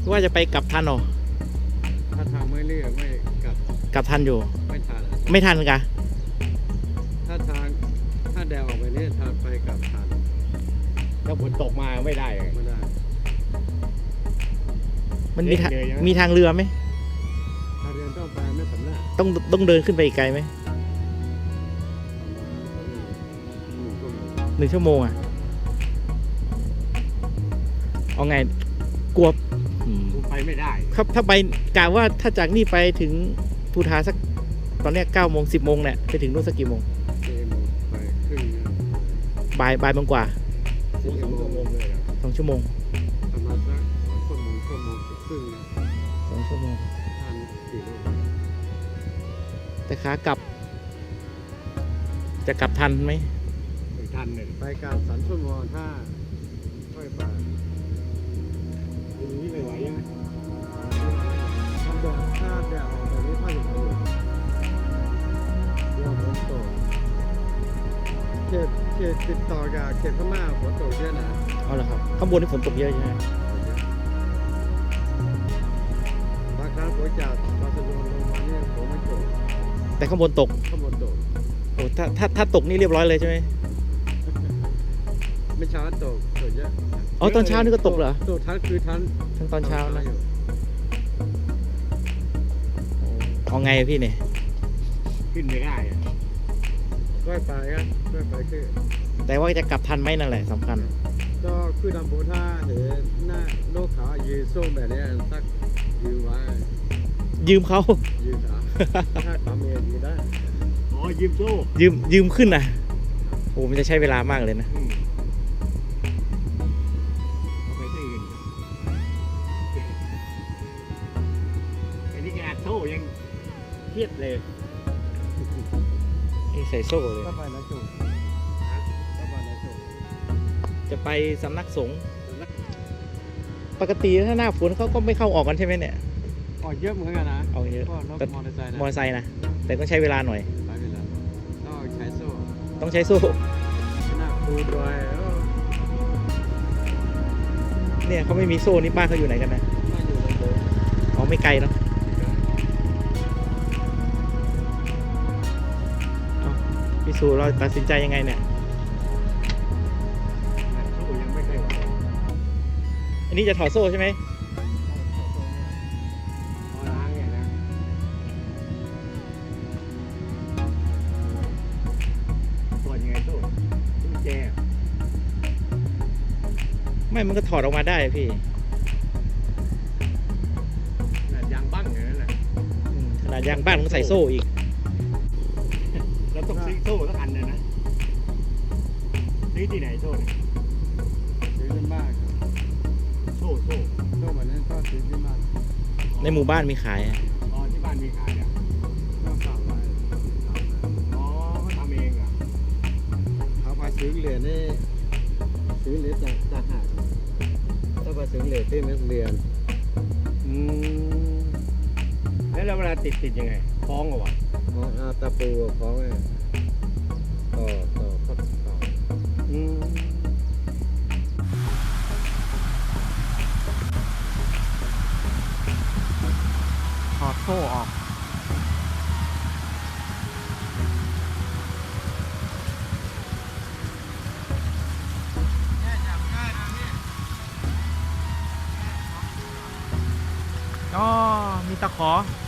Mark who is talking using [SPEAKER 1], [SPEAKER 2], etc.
[SPEAKER 1] ว่าจะไปกลับทันหรอ
[SPEAKER 2] ถ้าทางไม่เรียกไม่
[SPEAKER 1] กลับทันอยู่
[SPEAKER 2] ไม่ทัน
[SPEAKER 1] ไม่ทันกะ
[SPEAKER 2] ถ้าทางถ้าแดวออกไปนี่ทางไปกลับทัน
[SPEAKER 3] ถ้าฝนตกมาไม่ได้
[SPEAKER 2] ไม่ได้
[SPEAKER 1] มันมีทางเรือไหม
[SPEAKER 2] ทางเรือต้องไปไม่สำนัก
[SPEAKER 1] ต้องเดินขึ้นไปอีกไกลไหม1 ชั่วโมงอ่ะเอาไงกลัว
[SPEAKER 3] ไปไม่ได้
[SPEAKER 1] ครับถ้าไปกะว่าถ้าจากนี่ไปถึงภูฐานสักตอนนี้9 โมง 10 โมงเนี่ยไปถึงนู่นสักกี่โมง
[SPEAKER 2] ไปครึ่ง
[SPEAKER 1] บ่ายโมงกว่า
[SPEAKER 3] 2 ชั่วโมงเลย
[SPEAKER 1] 2 ชั่วโมง
[SPEAKER 2] ประมาณสัก2 ชั่วโมงครึ่ง
[SPEAKER 1] 2 ชั่วโมง
[SPEAKER 2] ทันกี่โล
[SPEAKER 1] แต่ขากลับจะกลับทันไหม
[SPEAKER 3] ทันเลย
[SPEAKER 2] ไปการ3 ชั่วโมงถ้าค่อยไป
[SPEAKER 3] ทีนี้ไม่ไหวยังไง
[SPEAKER 2] ทำแบบถ้าแดดออกแบบนี้ถ้าอยู่เดี๋ยวฝนตกเขตติดต่อกับเขตพม่าฝนตกเยอะนะ
[SPEAKER 1] เอาละครับข้างบนนี่ฝนตกเยอะใช่ไหม
[SPEAKER 2] บางครั้งฝนจากบาร์เซโลนาลงมาเนี่ยฝนไม่ตก
[SPEAKER 1] แต่ข้างบนตกโอ้ถ้าตกนี่เรียบร้อยเลยใช่ไหม
[SPEAKER 2] ไม่เช้าตกเยอะ
[SPEAKER 1] อ๋อตอนเช้านี่ก็ตกเหรอ
[SPEAKER 2] ตกทั้งคือ
[SPEAKER 1] ทั้งตอนเช้านะเอาไงพี่เนี่ย
[SPEAKER 3] ขึ้นไม่ได้
[SPEAKER 2] ก็ไปครับก็ไปขึ้น
[SPEAKER 1] แต่ว่าจะกลับทันไหมนั่นแหละสำคัญ
[SPEAKER 2] ก็คือดำโบท่าเห็นหน้าโลกขายืนส้มแบบนี้สักยืนไว้
[SPEAKER 1] ยืมเขา
[SPEAKER 2] ยืมขาถ้าขาเมียยืนได้
[SPEAKER 3] อ๋อยืมโซ่
[SPEAKER 1] ยืมขึ้นนะโอ้มันจะใช้เวลามากเลยนะ
[SPEAKER 3] เอาไปที่อื่นอันนี้แกอัดโซ่ยังเครียดเลย
[SPEAKER 1] นี่ใส่โซ่เลย
[SPEAKER 2] ก็ไปนะจุ
[SPEAKER 1] จะไปสำนักสงฆ์ปกติถ้าหน้าฝนเขาก็ไม่เข้าออกกันใช่ไหมเนี่ย
[SPEAKER 2] ออกเยอะเหมือนกันนะ
[SPEAKER 1] ออกเยอะ
[SPEAKER 2] แต่ม
[SPEAKER 1] อเตอร์ไซค์นะแต่ต้องใช้เวลาหน่อย
[SPEAKER 2] ต้องใช้โซ่
[SPEAKER 1] ห
[SPEAKER 2] น้าปูด้วย
[SPEAKER 1] เนี่ยเขาไม่มีโซ่นี่บ้านเขาอยู่ไหนกันนะ
[SPEAKER 2] ไม่อยู่ในโบสถ์
[SPEAKER 1] อ๋อไม่ไกลเนาะพี่สูเราตัดสินใจยังไงเนี่ย
[SPEAKER 3] โซ่ยังไม่เคยไหว
[SPEAKER 1] อันนี้จะถอดโซ่ใช่ไหม
[SPEAKER 3] ล้างเนี่ยนะถอดยังไงโซ่กุญแจ
[SPEAKER 1] ไม่มันก็ถอดออกมาได้พี่
[SPEAKER 3] ขนาดยางบั้งอย่างนั้นแหละ
[SPEAKER 1] ขนาดยางบ้านต้องใส่โซ่อีก
[SPEAKER 3] เราต้องซื้อโซ่สักอันเลยนะซื้อที่ไหนโซ่เนี่ย
[SPEAKER 2] ซื้อที่บ้าน
[SPEAKER 3] โซ่
[SPEAKER 2] แบบนี้ก็ซื้อที่บ้าน
[SPEAKER 1] ในหมู่บ้านมีขาย
[SPEAKER 3] อ๋อที่บ้านมีขายอ่ะ
[SPEAKER 2] ต้องสั่งไว้
[SPEAKER 3] อ๋อเขาทำเองอ่ะ
[SPEAKER 2] เขาไปซื้อเหรียญนี่ซื้อเหรียญจากหาดถ้าไปซื้อเหรียญที่นักเรียน
[SPEAKER 3] แล้วเวลาติดยังไงคล้องเหรอวะ
[SPEAKER 2] ตะปูคล้องไงต่อ
[SPEAKER 1] ถอดโซ่ออกอ๋อมีตะขอ